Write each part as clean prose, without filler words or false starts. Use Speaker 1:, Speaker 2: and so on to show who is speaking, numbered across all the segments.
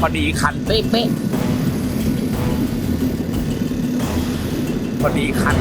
Speaker 1: อดีคันเป๊ะพอดีคัน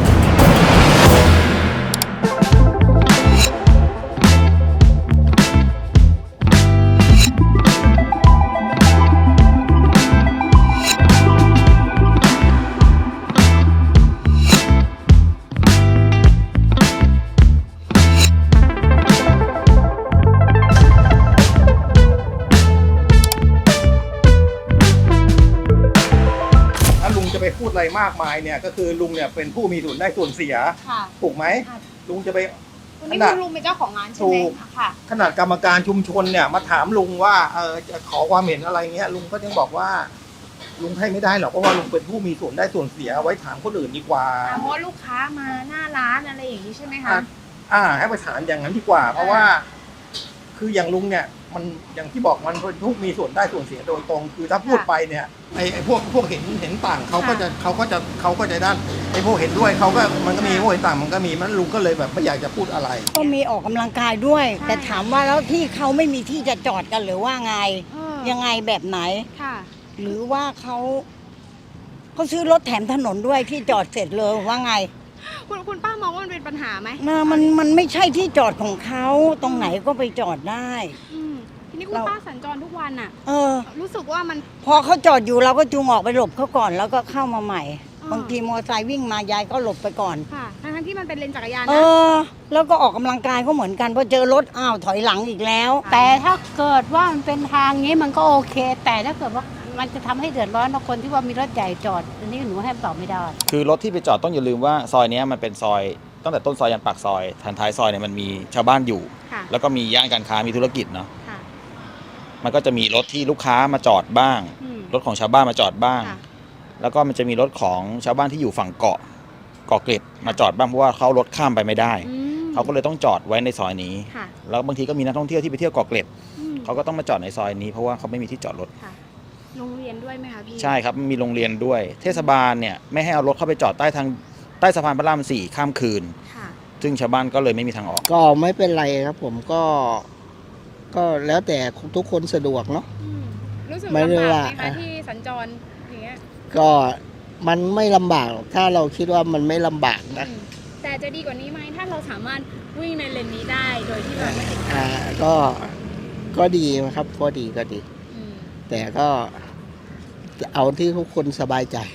Speaker 2: จะไปพูดอะไรมากมายเนี่ยก็คือลุงเนี่ยเป็นผู้มีส่วนได้ส่วนเสียถูกไหมลุงจะไป
Speaker 3: วันนี้คุณลุงเป็นเจ้าของงานใช่ไหมค่ะ
Speaker 2: ขนาดกรรมการชุมชนเนี่ยมาถามลุงว่าจะขอความเห็นอะไรเงี้ยลุงก็ยังบอกว่าลุงให้ไม่ได้หรอกเพราะว่าลุงเป็นผู้มีส่วนได้ส่วนเสียไว้ถามคนอื่นดีกว่า
Speaker 3: เพราะลูกค้ามาหน้าร้านอะไรอย่างนี้ใช่ไหมคะ
Speaker 2: ให้ไปถามอย่างนั้นดีกว่าเพราะว่าคืออย่างลุงเนี่ยมันอย่างที่บอกมันเป็นผู้มีส่วนได้ส่วนเสียโดยตรงคือถ้าพูดไปเนี่ยไอ้พวกเห็นต่างเขาก็จะด้านไอ้พวกเห็นด้วยเขาก็มันก็มีพวกเห็นต่างมันก็มีมันลุงก็เลยแบบไม่อยากจะพูดอะไร
Speaker 4: ก็มีออกกำลังกายด้วย แต่ถามว่าแล้วที่เขาไม่มีที่จะจอดกันหรือว่าไงยังไงแบบไหนหรือว่าเขาซื้อรถแถมถนนด้วยที่จอดเสร็จเลยว่าไง
Speaker 3: คุณป้ามองว่ามันเป็นปัญหาไหม
Speaker 4: มันไม่ใช่ที่จอดของเขาตรงไหนก็ไปจอดได้
Speaker 3: ทีนี้คุณป้าสัญจรทุกวันอ่ะรู้สึกว่ามัน
Speaker 4: พอเขาจอดอยู่เราก็จูงออกไปหลบเขาก่อนแล้วก็เข้ามาใหม่บางทีมอเตอร์ไซค์วิ่งมายายก็หลบไปก่อน
Speaker 3: ค่ะทั้งที่มันเป็นเลนจักรยาน
Speaker 4: นะแล้วก็ออกกำลังกายก็เหมือนกันพอเจอรถถอยหลังอีกแล้ว
Speaker 5: แต่ถ้าเกิดว่ามันเป็นทางนี้มันก็โอเคแต่ถ้าเกิดว่ามันจะทำให้เดือดร้อนคนที่ว่ามีรถใหญ่จอดอันนี้หนูให้ตอบไม่ได้
Speaker 1: คือรถที่ไปจอดต้องอย่าลืมว่าซอยนี้มันเป็นซอยตั้งแต่ต้นซอยยันปากซอยทางท้ายซอยเนี่ยมันมีชาวบ้านอยู่แล้วก็มีย่านการค้ามีธุรกิจเนาะมันก็จะมีรถที่ลูกค้ามาจอดบ้างรถของชาวบ้านมาจอดบ้างแล้วก็มันจะมีรถของชาวบ้านที่อยู่ฝั่งเกาะเกร็ดมาจอดบ้างเพราะว่าเขารถข้ามไปไม่ได้เขาก็เลยต้องจอดไว้ในซอยนี้แล้วบางทีก็มีนักท่องเที่ยวที่ไปเที่ยวเกาะเกร็ดเขาก็ต้องมาจอดในซอยนี้เพราะว่าเขาไม่มีที่จอดรถ
Speaker 3: โรงเรียนด้วยไหมคะพี่
Speaker 1: ใช่ครับมีโรงเรียนด้วยเทศบาลเนี่ยไม่ให้เอารถเข้าไปจอดใต้สะพานพระราม4ข้ามคืนซึ่งชาวบ้านก็เลยไม่มีทางออก
Speaker 6: ก็ไม่เป็นไรครับผมก็แล้วแต่ทุกคนสะดวกเนาะ
Speaker 3: รู้สึกลำบากไหมคะที่สัญจรอย่างเงี้ย
Speaker 6: ก็มันไม่ลำบากถ้าเราคิดว่ามันไม่ลำบากนะ
Speaker 3: แต่จะดีกว่านี้ไหมถ้าเราสามารถวิ่งในเลนนี้ได้โดยที่เราไม่ติด
Speaker 6: ก็ดีครับก็ดีแต่ก็เอาที่ทุกคนสบายใจ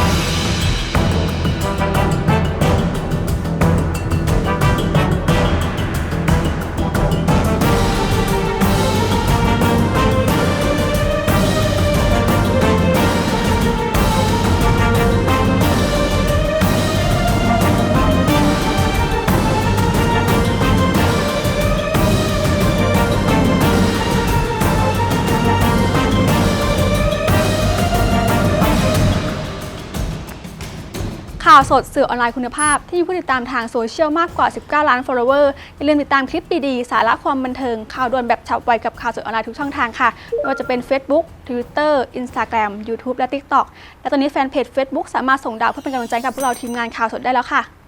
Speaker 7: ข่าวสดสื่อออนไลน์คุณภาพที่มีผู้ติดตามทางโซเชียลมากกว่า19ล้าน follower อย่าลืมติดตามคลิปดีๆสาระความบันเทิงข่าวด่วนแบบฉับไวกับข่าวสดออนไลน์ทุกช่องทางค่ะไม่ว่าจะเป็น Facebook Twitter Instagram YouTube และ TikTok และตอนนี้แฟนเพจ Facebook สามารถส่งดาวเพื่อเป็นกำลังใจกับพวกเราทีมงานข่าวสดได้แล้วค่ะ